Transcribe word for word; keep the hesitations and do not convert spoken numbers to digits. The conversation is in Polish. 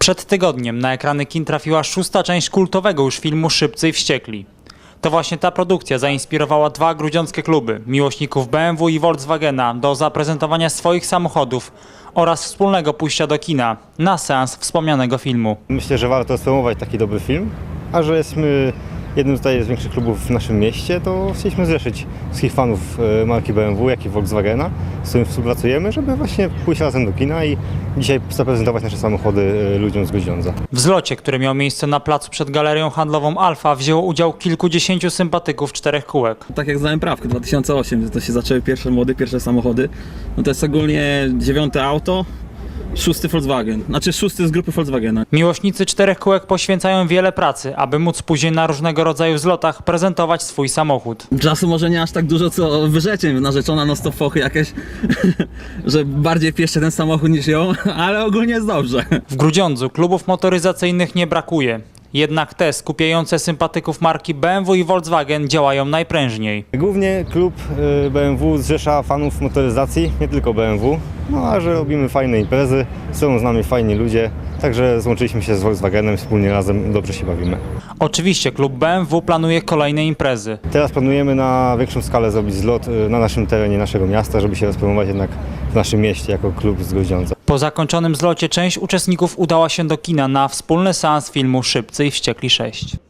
Przed tygodniem na ekrany kin trafiła szósta część kultowego już filmu Szybcy i Wściekli. To właśnie ta produkcja zainspirowała dwa grudziąckie kluby, miłośników B M W i Volkswagena, do zaprezentowania swoich samochodów oraz wspólnego pójścia do kina na seans wspomnianego filmu. Myślę, że warto spromować taki dobry film, a że jesteśmy jednym tutaj z większych klubów w naszym mieście, to chcieliśmy zrzeszyć wszystkich fanów marki B M W, jak i Volkswagena, z którym współpracujemy, żeby właśnie pójść razem do kina i dzisiaj zaprezentować nasze samochody ludziom z Grudziądza. W zlocie, który miał miejsce na placu przed galerią handlową Alfa, wzięło udział kilkudziesięciu sympatyków czterech kółek. Tak jak znałem prawkę, dwa tysiące ósmym, to się zaczęły pierwsze młode, pierwsze samochody. No to jest ogólnie dziewiąte auto, szósty Volkswagen, znaczy szósty z grupy Volkswagena. Miłośnicy czterech kółek poświęcają wiele pracy, aby móc później na różnego rodzaju zlotach prezentować swój samochód. Czasu może nie aż tak dużo co wyrzeczeń, narzeczona no stop fochy jakieś, że bardziej pieszczę ten samochód niż ją, ale ogólnie jest dobrze. W Grudziądzu klubów motoryzacyjnych nie brakuje. Jednak te skupiające sympatyków marki B M W i Volkswagen działają najprężniej. Głównie klub B M W zrzesza fanów motoryzacji, nie tylko B M W, no a że robimy fajne imprezy, są z nami fajni ludzie, także złączyliśmy się z Volkswagenem, wspólnie razem dobrze się bawimy. Oczywiście klub B M W planuje kolejne imprezy. Teraz planujemy na większą skalę zrobić zlot na naszym terenie naszego miasta, żeby się rozpromować jednak w naszym mieście jako klub z Grudziądza. Po zakończonym zlocie część uczestników udała się do kina na wspólny seans filmu Szybcy i Wściekli sześć.